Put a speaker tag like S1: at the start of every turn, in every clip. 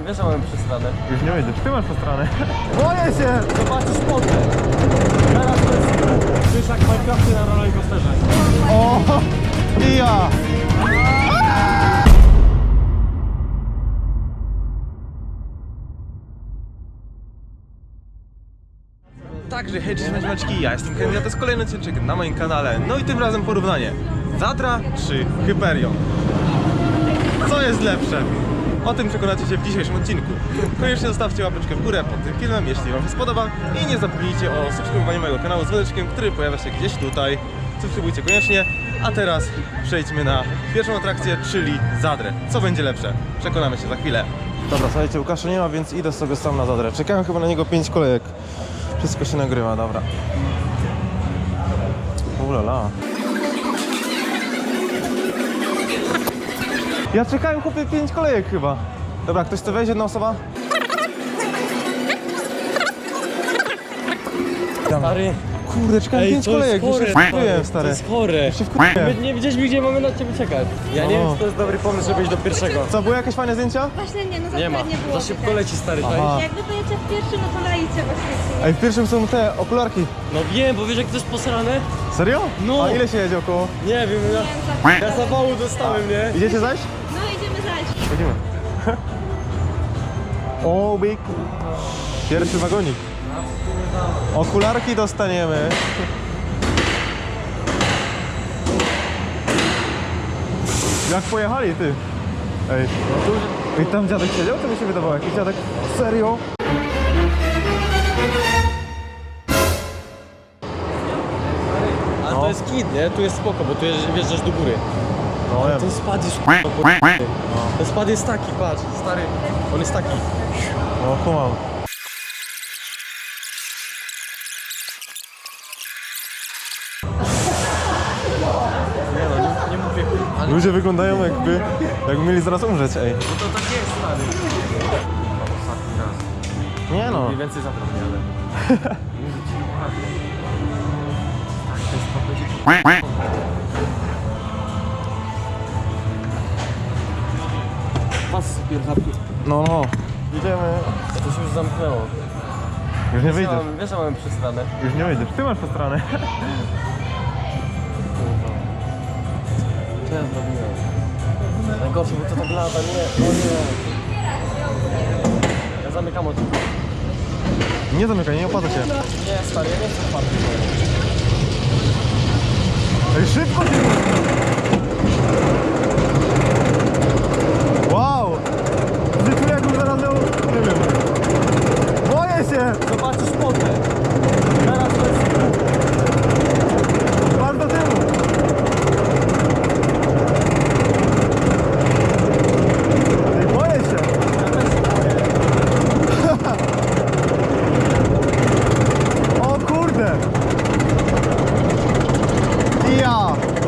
S1: wiesz, że mamy przestranę.
S2: Już nie wyjdziesz, ty masz przestranę. Boję się!
S1: Zobaczysz potem. Teraz to jest... Czujesz jak Minecrafty na rollercoasterze.
S2: O! I ja! Także hej, cześć maczki, ja jestem Kenny, a to jest kolejny odcinek na moim kanale. No i tym razem porównanie Zadra czy Hyperion. Co jest lepsze? O tym przekonacie się w dzisiejszym odcinku. Koniecznie zostawcie łapeczkę w górę pod tym filmem, jeśli wam się spodoba. I nie zapomnijcie o subskrybowaniu mojego kanału z dzwoneczkiem, który pojawia się gdzieś tutaj. Subskrybujcie koniecznie. A teraz przejdźmy na pierwszą atrakcję, czyli Zadrę. Co będzie lepsze? Przekonamy się za chwilę. Dobra, słuchajcie, Łukasza nie ma, więc idę sobie sam na Zadrę. Czekałem chyba na niego 5 kolejek. Wszystko się nagrywa, dobra. Ulala. Ja czekałem, chłopie, 5 kolejek chyba. Dobra, ktoś chce wejść? Jedna osoba?
S1: Stary.
S2: Kurde, czekałem 5 kolejek, już się wkurzyłem, stary.
S1: To jest chore.
S2: Już się wkurzyłem.
S1: My nie widzieliśmy, gdzie mamy na ciebie czekać. Ja nie wiem, czy to jest dobry pomysł, żeby iść do pierwszego.
S2: Co, były jakieś fajne zdjęcia?
S3: Właśnie nie, no za
S1: Nie ma.
S3: nie było.
S1: Za szybko
S3: widać.
S1: leci, stary.
S2: Aha.
S3: Jakby pojedzie w pierwszym, no to lejcie właśnie.
S2: Ej, w pierwszym są te okularki.
S1: No wiem, bo wiesz, jak to jest posrane?
S2: Serio?
S1: No.
S2: A ile się jedzie około?
S1: Nie wiem, ja zawału dostałem, nie?
S2: Idziecie zaś?
S3: No idziemy zajść.
S2: Chodzimy. O, big. Pierwszy wagonik. Okularki dostaniemy. Jak pojechali, ty? Ej, i tam dziadek siedział? To mi się wydawało, jakiś dziadek. Serio?
S1: A to jest kit, nie? Tu jest spoko, bo tu wjeżdżasz do góry.
S2: No wiem.
S1: Ten spad jest Ten spad jest taki, patrz, stary. On jest taki.
S2: No, kumam.
S1: Nie no, nie mówię. Ale
S2: Ludzie wyglądają jakby mieli zaraz umrzeć, ej.
S1: to tak jest, stary. Ostatni raz.
S2: Nie no.
S1: Mniej więcej zatrudnię, ale... Mówię ci dokładnie. Tak, ten spad będzie... Pas pierwszy.
S2: No, no. Idziemy.
S1: To się już zamknęło.
S2: Już nie wyjdziesz.
S1: Wiesz, że mamy przestranę.
S2: Już nie wyjdziesz. Ty masz po stronę.
S1: Co ja zrobiłem? Najgorsze, bo to tak lata, nie, o nie. Ja zamykam oczy.
S2: Nie zamykaj, nie opłaca się.
S1: Nie, stary, ja nie chcę party.
S2: Ej, szybko się. Wow! Życiu jakbym zaraz miał... Nie wiem. Boję się!
S1: Zobaczysz potem. Teraz to jest...
S2: Pan do tyłu! Ej, boję się!
S1: Ja też się boję.
S2: O kurde! Ja!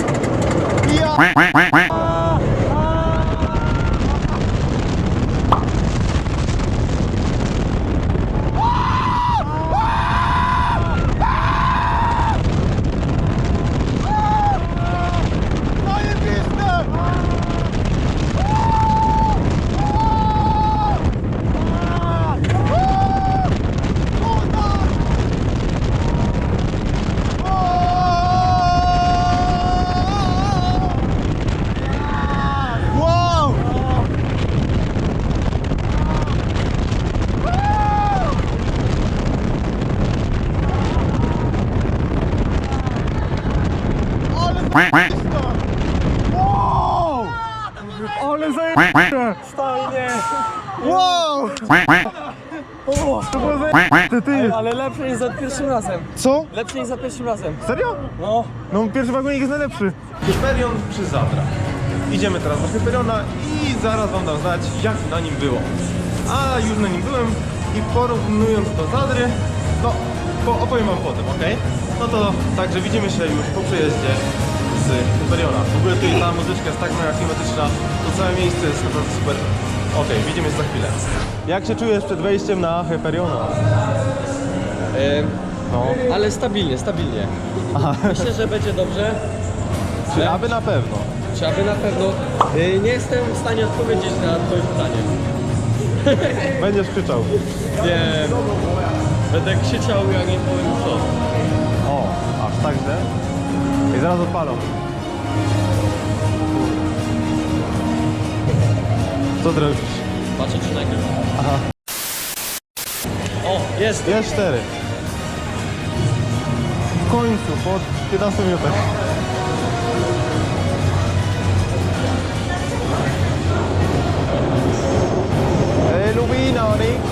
S2: Wow! Ale zajebiste!
S1: Stajnie.
S2: Wow! O, to było zajebiste, ty!
S1: Ale lepsze niż za pierwszym razem.
S2: Co?
S1: Lepsze niż za pierwszym razem.
S2: Serio?
S1: No.
S2: No pierwszy wagonik jest najlepszy. Hyperion czy Zadra? Idziemy teraz do Hyperiona i zaraz wam dam znać, jak na nim było. A już na nim byłem i porównując do Zadry, no opowiem wam potem, ok? No to także widzimy się już po przejeździe z Hyperiona. W ogóle tutaj ta muzyczka jest tak mega klimatyczna, to całe miejsce jest naprawdę super. Ok, widzimy się za chwilę. Jak się czujesz przed wejściem na Hyperiona? No.
S1: Ale stabilnie, stabilnie. Myślę, że będzie dobrze.
S2: Czy aby na pewno?
S1: Czy aby na pewno. Nie jestem w stanie odpowiedzieć na twoje pytanie.
S2: Będziesz krzyczał.
S1: Nie. Będę krzyczał, ja nie powiem co.
S2: O, aż tak, że? I zaraz odpalą. Co ty robisz?
S1: Patrzę czy nagrywa.
S2: Aha.
S1: O, jest!
S2: Jest 4. W końcu, po 15 minutach. Lubina, Nick.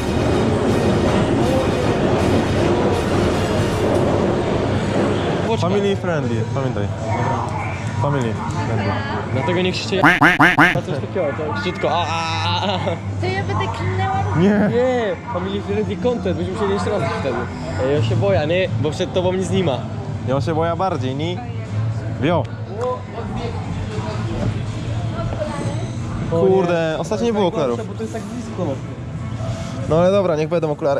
S2: Family friendly, pamiętaj. Family friendly.
S1: Dlatego nie krzyczcie na coś takiego, to krzyczko
S3: To ja będę klinęła.
S2: Nie.
S1: Nie, family friendly content, będziemy musieli jeszcze raz wtedy. Ja się boję, nie? Bo przed tobą nic nie ma.
S2: Ja się boję bardziej, ni? Wio. Kurde, ostatnio nie było okularów.
S1: Bo to jest tak blisko.
S2: No ale dobra, niech będą okulary.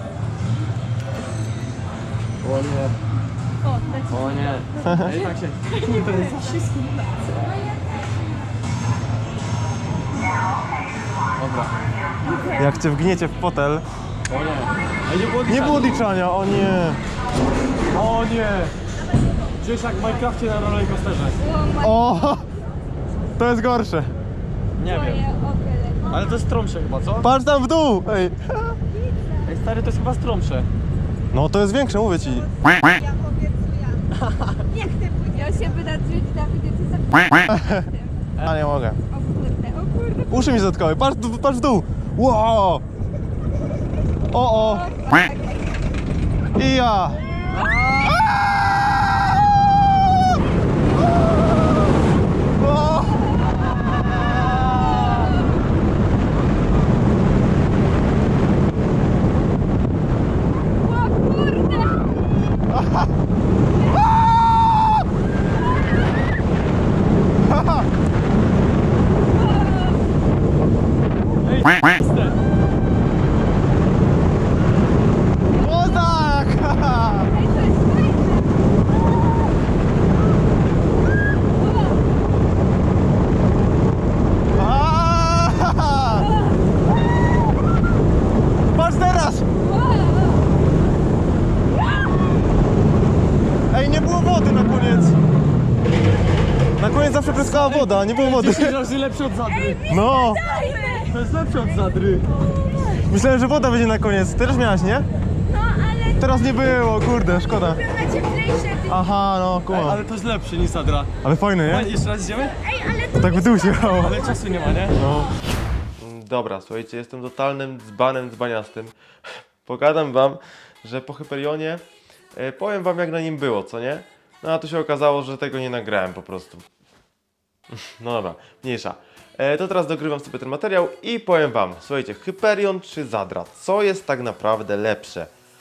S1: O nie.
S3: O, tak.
S1: O nie. Ej, tak się... Dobra.
S2: Jak cię wgniecie w fotel.
S1: O nie. Ej, nie było
S2: Nie było liczania, o nie.
S1: O nie. Czujesz jak w Minecrafcie na rollercoasterze.
S2: O! To jest gorsze.
S1: Nie wiem. Ale to jest stromsze chyba, co?
S2: Patrz tam w dół! Ej.
S1: Ej stary, to jest chyba stromsze.
S2: No to jest większe, mówię ci.
S3: Ja obiecuję. Jak ty pójdziesz? Ja się będę drzeć, Dawidzie, ty za...
S2: A nie mogę.
S3: O kurde.
S2: Uszy mi zatkały, patrz w dół! Wow! O! I ja! O!
S3: O kurde.
S1: Ej,
S2: O tak!
S3: Ej, to jest fajne.
S2: A! Patrz teraz! Ej, nie było wody na koniec! Na koniec zawsze pryskała woda, nie było wody.
S1: 10 razy lepsze od Zadry.
S2: No!
S1: To jest lepsze od Zadry.
S2: Myślałem, że woda będzie na koniec. Ty też miałaś, nie?
S3: No, ale
S2: Teraz nie było, kurde, szkoda.
S3: na cieplejsze.
S2: Aha, no,
S1: Ej,
S2: kumam.
S1: ale to jest lepsze niż Zadra.
S2: Ale fajne,
S1: Ej,
S2: nie?
S1: jeszcze raz idziemy?
S3: Ej, ale
S2: To tak w dół się jechało.
S1: Ale czasu nie ma, nie?
S2: No. Dobra, słuchajcie, jestem totalnym dzbanem dzbaniastym. Pogadam wam, że po Hyperionie powiem wam jak na nim było, co nie? No a tu się okazało, że tego nie nagrałem po prostu. No dobra, mniejsza. To teraz dogrywam sobie ten materiał i powiem wam, słuchajcie, Hyperion czy Zadra, co jest tak naprawdę lepsze?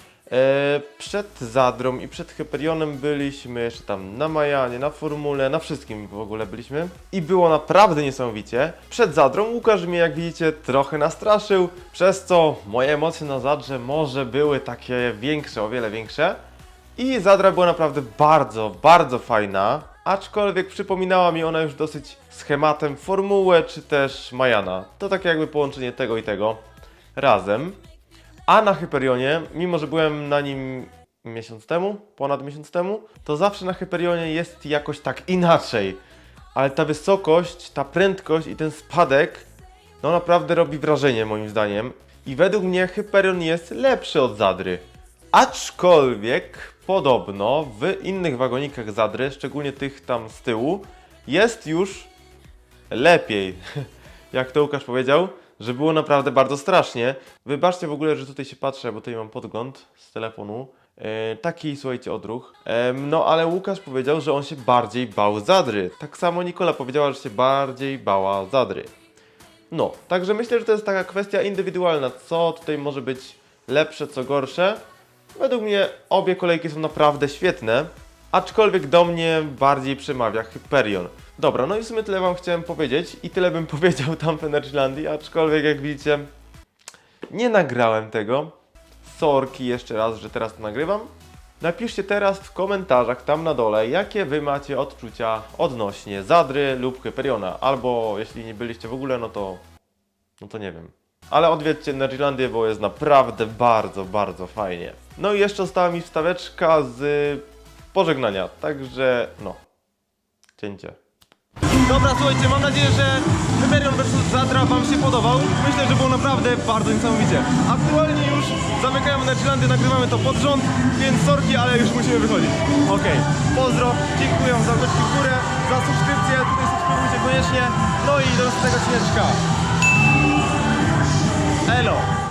S2: Przed Zadrą i przed Hyperionem byliśmy jeszcze tam na Majanie, na Formule, na wszystkim w ogóle byliśmy i było naprawdę niesamowicie. Przed Zadrą Łukasz mnie, jak widzicie, trochę nastraszył, przez co moje emocje na Zadrze może były takie większe, o wiele większe. I Zadra była naprawdę bardzo, bardzo fajna, aczkolwiek przypominała mi ona już dosyć schematem Formułę czy też Majana. To takie jakby połączenie tego i tego razem. A na Hyperionie, mimo że byłem na nim miesiąc temu, ponad miesiąc temu, to zawsze na Hyperionie jest jakoś tak inaczej. Ale ta wysokość, ta prędkość i ten spadek, no naprawdę robi wrażenie moim zdaniem. I według mnie Hyperion jest lepszy od Zadry. Aczkolwiek podobno w innych wagonikach Zadry, szczególnie tych tam z tyłu, jest już lepiej. Jak to Łukasz powiedział, że było naprawdę bardzo strasznie. Wybaczcie w ogóle, że tutaj się patrzę, bo tutaj mam podgląd z telefonu. Taki, słuchajcie, odruch. No ale Łukasz powiedział, że on się bardziej bał Zadry. Tak samo Nikola powiedziała, że się bardziej bała Zadry. No, także myślę, że to jest taka kwestia indywidualna, co tutaj może być lepsze, co gorsze. Według mnie obie kolejki są naprawdę świetne, aczkolwiek do mnie bardziej przemawia Hyperion. Dobra, no i w sumie tyle wam chciałem powiedzieć i tyle bym powiedział tam w Energylandii, aczkolwiek jak widzicie nie nagrałem tego. Sorki jeszcze raz, że teraz to nagrywam. Napiszcie teraz w komentarzach tam na dole, jakie wy macie odczucia odnośnie Zadry lub Hyperiona, albo jeśli nie byliście w ogóle, no to nie wiem. Ale odwiedźcie Energylandię, bo jest naprawdę bardzo, bardzo fajnie. No i jeszcze została mi wstaweczka z pożegnania, także no, cięcie. Dobra, słuchajcie, mam nadzieję, że Hyperion vs Zadra Wam się podobał. Myślę, że było naprawdę bardzo niesamowicie. Aktualnie już zamykają Energylandię, nagrywamy to pod rząd, więc sorki, ale już musimy wychodzić. Okej, pozdro, dziękuję za łapeczki w górę, za subskrypcję, tutaj subskrybujcie koniecznie. No i do następnego odcineczka. Elo!